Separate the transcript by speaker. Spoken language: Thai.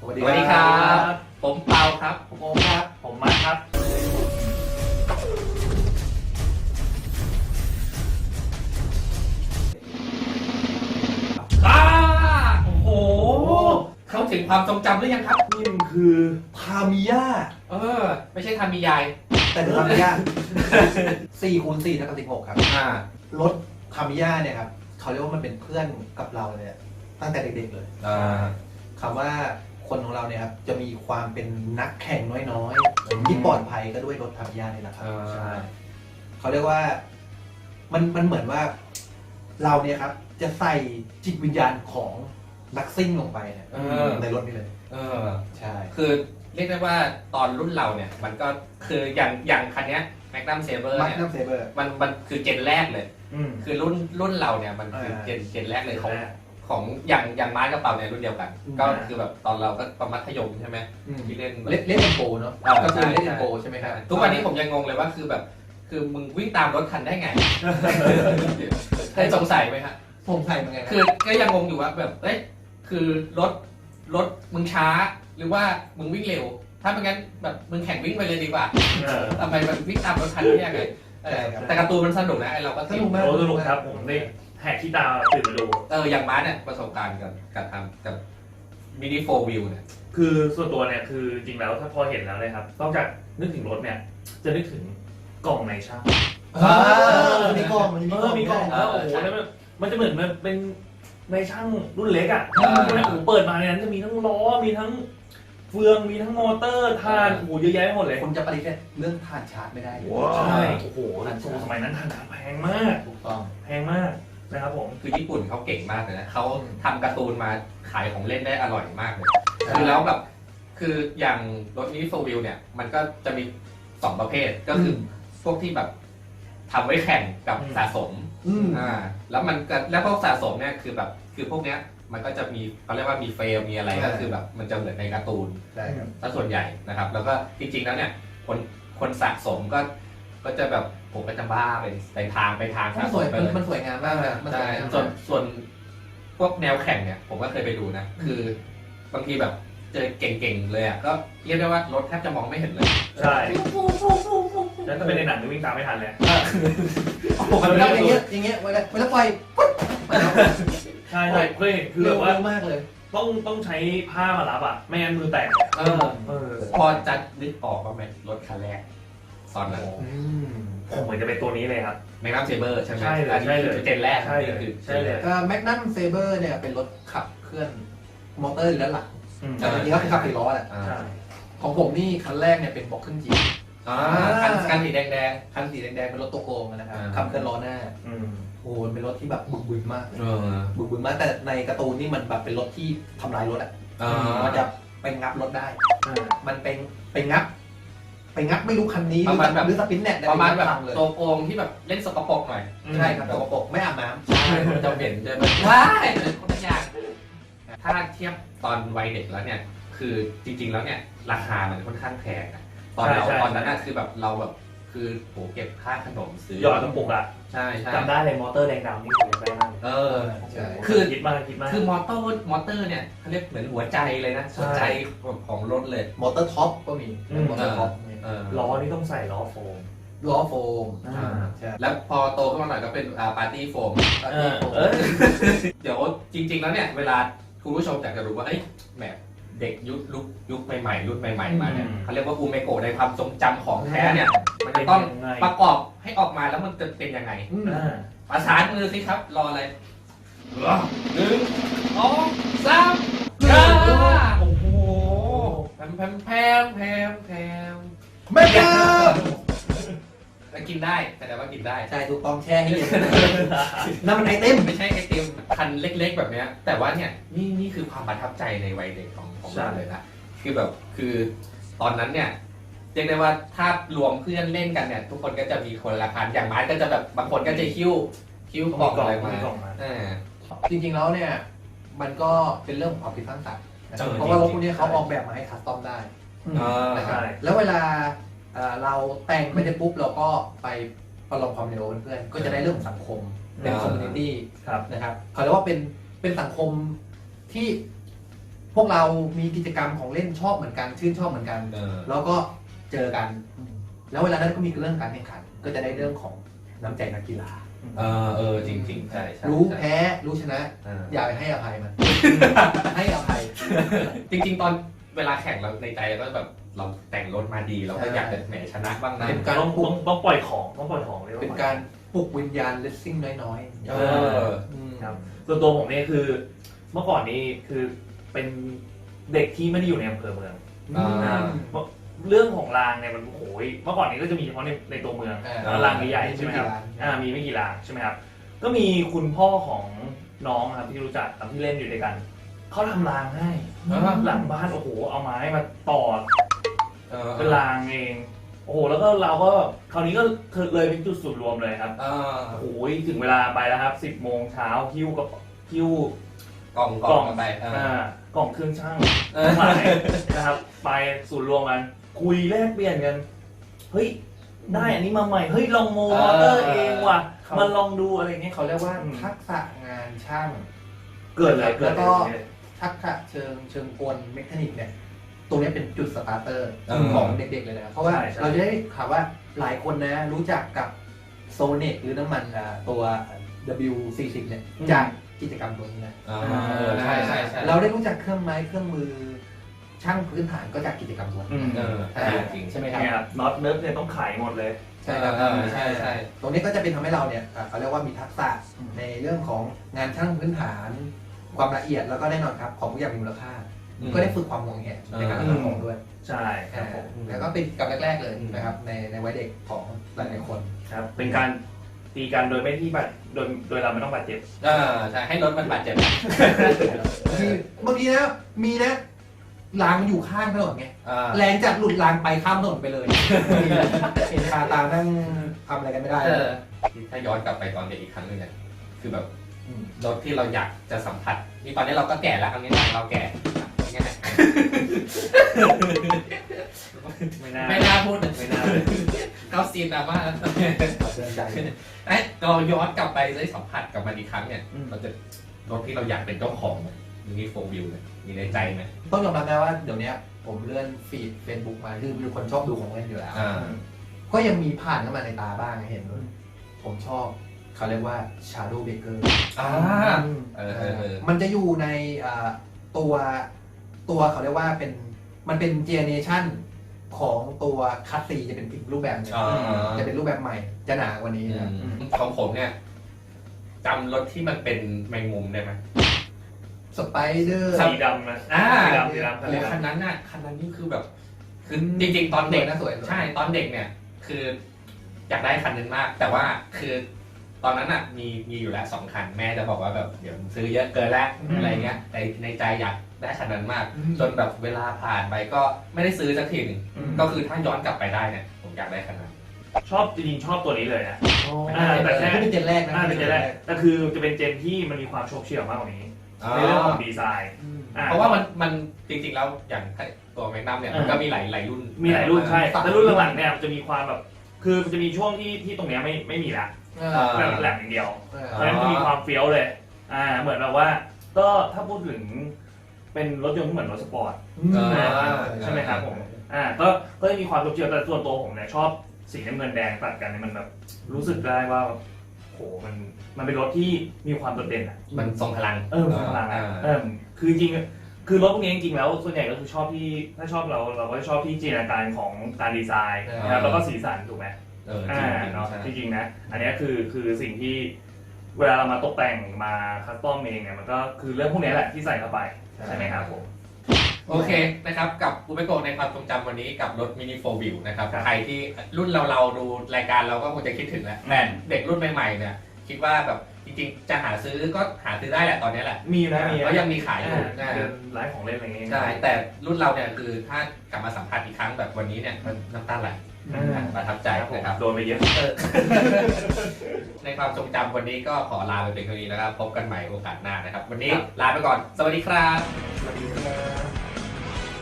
Speaker 1: สวัสดีครับผมเปาครับ
Speaker 2: ผมโอมครับผมมาร์คครับ
Speaker 1: โอ้โหเข้าถึงความทรงจำหรือยังครับ
Speaker 2: นี่มันคือทามิยา
Speaker 1: ไม่ใช่ทามิยาย
Speaker 2: แต่คือทามิยา4x4 เท่ากับ16ครับรถทามิยาเนี่ยครับเขาเรียกว่ามันเป็นเพื่อนกับเราเนี่ยตั้งแต่เด็กๆเลยคำว่าคนของเราเนี่ยครับจะมีความเป็นนักแข่งน้อยๆที่ปลอดภัยก็ด้วยรถทามิยานี่แหละครับใช่เขาเรียกว่ามันเหมือนว่าเราเนี่ยครับจะใส่จิตวิญญาณของนักซิ่งลงไปเนี่ยในรถนี่เลยใช่
Speaker 1: คือเรียกได้ว่าตอนรุ่นเราเนี่ยมันก็คืออย่างคันนี้แมกนัมเซเบอร์เนี่ยมันคือเจนแรกเลยคือรุ่นเราเนี่ยมันคือเจนแรกเลยของอย่างม้ากระเป๋าเนี่ยรุ่นเดียวกันก็คือแบบตอนเราก็ประมัธยมใช่ไหมที่เล่น
Speaker 2: เล่นโปเนาะก็คือเล่นโปใช่ไหมครับ
Speaker 1: ทุกวันนี้ผมยังงงเลยว่าคือแบบคือมึงวิ่งตามรถคันได้ไงเคยสงสัยไหมฮะ
Speaker 2: สงสัยเหมือนกัน
Speaker 1: คือก็ยังงงอยู่ว่าแบบเอ้ยคือรถมึงช้าหรือว่ามึงวิ่งเร็วถ้าเป็นงั้นแบบมึงแข่งวิ่งไปเลยดีกว่าทำไมมันวิ่งตามรถคันได้ยังไงแต่การ์ตูนมันสนุกนะไอเราก็
Speaker 2: สนุกมาก
Speaker 3: สนุกครับผมได้แหกที่ตาตื่นมาดู
Speaker 1: อย่างม้าเนี่ยประสบการณ์กับทำกับมินิโฟร์วิวเนี่ย
Speaker 3: คือส่วนตัวเนี่ยคือจริงแล้วถ้าพอเห็นแล้วเลยครับนอกจากนึกถึงรถเนี่ยจะนึกถึงกล่องในช่าง
Speaker 2: มีกล่อง
Speaker 3: มีกล่องแล้วโอ้โหแล้วมันจะเหมือนมันเป็นในช่างรุ่นเล็กอ่ะเปิดมาในนั้นจะมีทั้งล้อมีทั้งเฟืองมีทั้งมอเตอร์ถ่านโอ้โหเยอะแยะไปหมดเลย
Speaker 2: คุณจะปฏิเสธเรื่องถ่านชาร์จไม่ได้
Speaker 3: ใช่โอ้โหสมัยนั้นถ่านชาร์จแพงมาก
Speaker 2: ถูกต้อง
Speaker 3: แพงมากนะครับผม
Speaker 1: คือญี่ปุ่นเขาเก่งมากเลยนะเขาทำการ์ตูนมาขายของเล่นได้อร่อยมากเลยคือแล้วแบบคืออย่างรถมินิโฟร์วิวเนี่ยมันก็จะมี2ประเภทก็คือพวกที่แบบทำไว้แข่งกับสะสมแล้วมันแล้วพวกสะสมเนี่ยคือแบบคือพวกเนี้ยมันก็จะมีเขาเรียกว่ามีเฟรมมีอะไรก็คือแบบมันจะเหมือนในการ์ตูนถ้าส่วนใหญ่นะครับแล้วก็จริงๆแล้วเนี่ยคนสะสมก็จะแบบผมก็จะบ้าไปทางสะสมไปเลย
Speaker 2: มันสวยงามมากเลย
Speaker 1: ใช่ส่วนพวกแนวแข่งเนี่ยผมก็เคยไปดูนะคือบางทีแบบเจอเก่งๆเลยอ่ะก็เรียกได้ว่ารถแทบจะมองไม่เห็นเลย
Speaker 3: ใช่แล้วถ้าเป็นในหนังจะวิ่งตามไม่ทันเลย
Speaker 2: มันต้องอย่างเงี้ยเวลาปล่อย
Speaker 3: ใช่เคยเห็นคือแบบว่าม
Speaker 2: ากเลย
Speaker 3: ต้องใช้ผ้ามารับอ่ะไม่งั้นมือแตก
Speaker 1: พอจะนึกออกว่าไหมรถคันแรกตอนนั้น
Speaker 3: ผมเหมือนจะเป็นตัวนี้เลยครับ
Speaker 1: แมกนัมเซเบอร์ใช่ไหม
Speaker 3: ใช่เลย
Speaker 1: เจนแรก
Speaker 3: ใช่เลย
Speaker 2: แมกนัมเซเบอร์เนี่ยเป็นรถขับเคลื่อนมอเตอร์ด้านหลังแต่จริงๆก็คือขับ4 ล้อแหละของผมนี่คันแรกเนี่ยเป็นบอกครึ่งจี
Speaker 1: คันสีแดง
Speaker 2: คันสีแดงเป็นรถตัวโกงนะครับขับเคลื่อนล้อหน้าโอ้เป็นรถที่แบบบึกบึนมากบึกบึนมากแต่ในการ์ตูนนี่มันแบบเป็นรถที่ทำลายรถอ่ะมันจะไปงับรถได้มันไปงับไม่รู้คันนี้
Speaker 1: ประมาณแบบ
Speaker 2: หรือสปินเน็ต
Speaker 1: ประมาณแบบตัวโกงที่แบบเล่นสกปรกหน่อย
Speaker 2: ใช่ครับสกปรกไม่อาบน้ำ
Speaker 1: ใช่จะเห็นจะแบบว้ายคนละอย่างถ้าเทียบตอนวัยเด็กแล้วเนี่ยคือจริงๆแล้วเนี่ยราคามันค่อนข้างแพงนะตอนนั้นน่ะคือแบบเราแบบคือโหเก็บค่าขนมซื้อ
Speaker 3: หยอดกระปุกอ่ะ
Speaker 1: ใช่
Speaker 3: จำได้เลยมอเตอร์แดงดำนี่ผมจำได้มากคือคิดมาก
Speaker 1: คือมอเตอร์เนี่ยเขาเรียกเหมือนหัวใจเลยนะหัวใจของรถเลย
Speaker 2: มอเตอร์ท็อปก็มีมอเตอร์ท็อป
Speaker 3: ล้อนี่ต้องใส่ล้อโฟม
Speaker 1: แล้วพอโตขึ้นมาหน่อยก็เป็นปาร์ตี้โฟมเดี๋ยวจริงๆแล้วเนี่ยเวลาคุณผู้ชมอยากจะรู้ว่าแบบเด็กยุคใหม่ๆรุ่นใหม่ๆมาเนี่ยเขาเรียกว่าอูเมโกะในความทรงจำของแท้เนี่ยมันจะต้องประกอบให้ออกมาแล้วมันจะเป็นยังไงประสานมือสิครับรออะไร1 2 3โอ้โหแพม
Speaker 2: ไม่ได้
Speaker 1: กินได้แต่ว่ากินได้
Speaker 2: ใช่ถูกต้องแช่ให้เย็นนั่นมันไอติม
Speaker 1: ไม่ใช่ไอติมคันเล็กๆแบบเนี้ยแต่ว่าเนี่ยนี่คือความประทับใจในวัยเด็กของเราเลยนะคือแบบคือตอนนั้นเนี่ยเรียกได้ว่าถ้ารวมเพื่อนเล่นกันเนี่ยทุกคนก็จะมีคนละคันอย่างไม้ก็จะแบบบางคนก็จะคิ้วกล่องอะไรมา
Speaker 2: จริงๆแล้วเนี่ยมันก็เป็นเรื่องของความคิดสร้างสรรค์เพราะว่ารถพวกนี้เขาออกแบบมาให้คัสตอมได้นะครับแล้วเวลาเราแต่งไปได้ปุ๊บเราก็ไปประลองความเร็วเพื่อนก็จะได้เรื่องสังคมเป็นคอมมูนิตี้นะครับเขาเรียกว่าเป็นสังคมที่พวกเรามีกิจกรรมของเล่นชอบเหมือนกันชื่นชอบเหมือนกัน แล้วก็เจอกัน แล้วเวลานั้นก็มีเรื่องการแข่งขัน ก็จะได้เรื่องของน้ำใจนักกีฬา
Speaker 1: จริงๆใช่ใช่
Speaker 2: รู้แพ้รู้ชนะ อย่าไปให้อภัยมัน ให้อภัย
Speaker 1: จริงๆตอนเวลาแข่งเราในใจก็แบบเราแต่งรถมาดีเราก็อยากจะแหมชนะบ้างนะ
Speaker 2: เป็นการ
Speaker 3: ต้อง
Speaker 2: ปลุก
Speaker 3: ต้องปล่อยของต้องปล่อยของเลย
Speaker 2: เป็นการปลุกวิญญาณเลสซิ่งน้อยๆ
Speaker 3: ครับ ส่วนตัวผมเนี่ยคือเมื่อก่อนนี้คือเป็นเด็กที่ไม่ได้อยู่ในอำเภอเมือง เรื่องของรางเนี่ยมันโอ้ยเมื่อก่อนนี้ก็จะมีเฉพาะในตัวเมืองรางใหญ่ๆใช่ไหมครับมีไม่กี่รางใช่ไหมครับก็มีคุณพ่อของน้องครับที่รู้จักที่เล่นอยู่ด้วยกันเขาทำรางให้หลังบ้านโอ้โหเอาไม้มาต่อเป็นรางเองโอ้โหแล้วก็เราก็คราวนี้ก็เลยเป็นจุดศูนย์รวมเลยครับโอ้ยถึงเวลาไปแล้วครับ10 โมงเช้าหิ้ว
Speaker 1: กล่องไป
Speaker 3: กล่องเครื่องช่างหลายนะครับไปศูนย์รวมกันคุยแลกเปลี่ยนกันเฮ้ยได้อันนี้มาใหม่เฮ้ยลองโมเตอร์เองว่ะมันลองดูอะไรเงี้ย
Speaker 2: เขาเรียกว่าทักษะงานช่าง
Speaker 3: เกิดเลย
Speaker 2: แล้วก็ทักษะเชิงกลเมคานิกเนี่ยตรงนี้เป็นจุดสตาร์เตอร์ของเด็กๆเลยนะเพราะว่าเราจะได้ข่าวว่าหลายคนนะรู้จักกับโซเนตหรือน้ำมันตัว W40 เนี่ยจากกิจกรรมตัวนี้นะ
Speaker 1: ใช่
Speaker 2: เราได้รู้จักเครื่องไม้เครื่องมือช่างพื้นฐานก็จากกิจกรรมตัวนี้
Speaker 1: จริง
Speaker 2: ใช่ไหมครับ
Speaker 3: น็อตเนิร์ฟเนี่ยต้องขายหมดเลย
Speaker 2: ใช่ครับใช่ตรงนี้ก็จะเป็นทำให้เราเนี่ยเขาเรียกว่ามีทักษะในเรื่องของงานช่างพื้นฐานความละเอียดแล้วก็แน่นอนครับของทุกอย่างมีมูลค่าก็ได้ฝึกความงงแงในการทำของด้วย
Speaker 3: ใช่ครับผม
Speaker 2: แล้วก็เป็นกับแรกๆเลยนะครับในวัยเด็กของหลายๆคน
Speaker 3: ครับเป็นการตีกันโดยไม่ที่บาดโดยเราไม่ต้องบาดเจ็บ
Speaker 1: ใช่ให้รถมันบาดเจ็
Speaker 2: บบางทีนะมีนะรางมันอยู่ข้างถนนไงแรงจัดหลุดรางไปข้ามถนนไปเลยเห็นคาตานั่งทำอะไรกันไม่ได้
Speaker 1: ถ้าย้อนกลับไปตอนเด็กอีกครั้งนึงเนี่ยคือแบบรถที่เราอยากจะสัมผัสนี่ตอนนี้เราก็แก่แล้วครั้งนี้เราแก่ยังไงไม่น่าพูดไม่น่าเข้าซีนดราม่าแล้วเราย้อนกลับไปได้สัมผัสกับมันอีกครั้งเนี่ยเราจะรถที่เราอยากเป็นเจ้าของมีโฟวิวเนี่ยมีในใจไหม
Speaker 2: ต้องยอมรับนะว่าเดี๋ยวนี้ผมเลื่อนฟีดเฟซบุ๊กมาคือมีคนชอบดูของเล่นอยู่แล้วก็ยังมีผ่านเข้ามาในตาบ้างเห็นผมชอบเขาเรียกว่า Shadow Breaker มันจะอยู่ในตัวเขาเรียกว่ามันเป็นเจเนเรชั่นของตัวคัสซีจะเป็นอีกรูปแบบนึงจะเป็นรูปแบบใหม่จะหนากว่านี้นะ
Speaker 1: ของผมเนี่ยจำรถที่มันเป็นแมงมุมได้ไหม
Speaker 2: สไปเดอร์
Speaker 3: สีดำนะสีดำ
Speaker 1: คันนั้นนี่คือแบบคือจริงๆตอนเด็ก
Speaker 2: นะสวย
Speaker 1: ใช่ตอนเด็กเนี่ยคืออยากได้คันนึงมากแต่ว่าคือตอนนั้นอ่ะมีอยู่แล้ว2 คันแม่จะบอกว่าแบบเดี๋ยวซื้อเยอะเกินแล้วอะไรเงี้ยแต่ในใจอยากได้คันนั้นมากจนแบบเวลาผ่านไปก็ไม่ได้ซื้อสักทีนึงก็คือถ้าย้อนกลับไปได้เนี่ยผมอยากได้คันนั้น
Speaker 3: ชอบจริงๆชอบตัวนี้เลยนะแต่แค่
Speaker 2: เป็นเจนแรกนะ
Speaker 3: เป็นเจนแรกแต่คือจะเป็นเจนที่มันมีความโฉบเฉี่ยวมากกว่านี้ในเรื่องของดีไซน์
Speaker 1: เพราะว่ามันจริงๆแล้วอย่างตัวแมกนัมเนี่ยมันก็มีหลายรุ่น
Speaker 3: ใช่แต่รุ่นหลังๆเนี่ยจะมีความแบบคือมันจะมีช่วงที่ตรงนี้ไม่มีละแบบแหลมอย่างเดียวเพราะฉะนั้นจะมีความเฟี้ยวเลยเหมือนแบบว่าก็ถ้าพูดถึงเป็นรถยนต์ที่เหมือนรถสปอร์ตใช่ไหมครับผมก็จะมีความโฉบเฉี่ยวแต่ส่วนตัวผมเนี่ยชอบสีน้ำเงินแดงตัดกันเนี่ยมันแบบรู้สึกได้ว่าโหมันเป็นรถที่มีความโดดเด่นอ่ะ
Speaker 1: มันทรงพลัง
Speaker 3: ทรงพลังคือจริงคือรถพวกนี้จริงๆแล้วส่วนใหญ่ก็คือชอบที่ถ้าชอบเราก็ชอบที่จินตนาการของการดีไซน์นะครับแล้วก็สีสันถูกไหมเนาะจริงๆนะอันนี้คือสิ่งที่เวลาเรามาตกแต่งมาคัสตอมเองเนี่ยมันก็คือเรื่องพวกนี้แหละที่ใส่เข้าไปใช่ไหมครับผม
Speaker 1: โอเคนะครับกับอุปกรณ์ในความทรงจำวันนี้กับรถมินิโฟวิวนะครับใครที่รุ่นเราดูรายการเราก็คงจะคิดถึงแล้วแต่เด็กรุ่นใหม่ๆเนี่ยคิดว่าแบบจริงๆจะหาซื้อก็หาซื้อได้แหละตอนนี้แหละ
Speaker 3: มีนะ
Speaker 1: ก็ยังมีขายอยู่
Speaker 3: ร้านของเล่นอะไรเงี้ย
Speaker 1: ใช่แต่รุ่นเราเนี่ยคือถ้ากลับมาสัมผัสอีกครั้งแบบวันนี้เนี่ยมันน้ำตาไหลประทับใจนะครับ
Speaker 3: โดนไปเยอะ
Speaker 1: ในความทรงจำวันนี้ก็ขอลาไปเป็นเท่านี้นะครับพบกันใหม่โอกาสหน้านะครับวันนี้ลาไปก่อนสวัสดีครับ
Speaker 2: สวัสดีครับ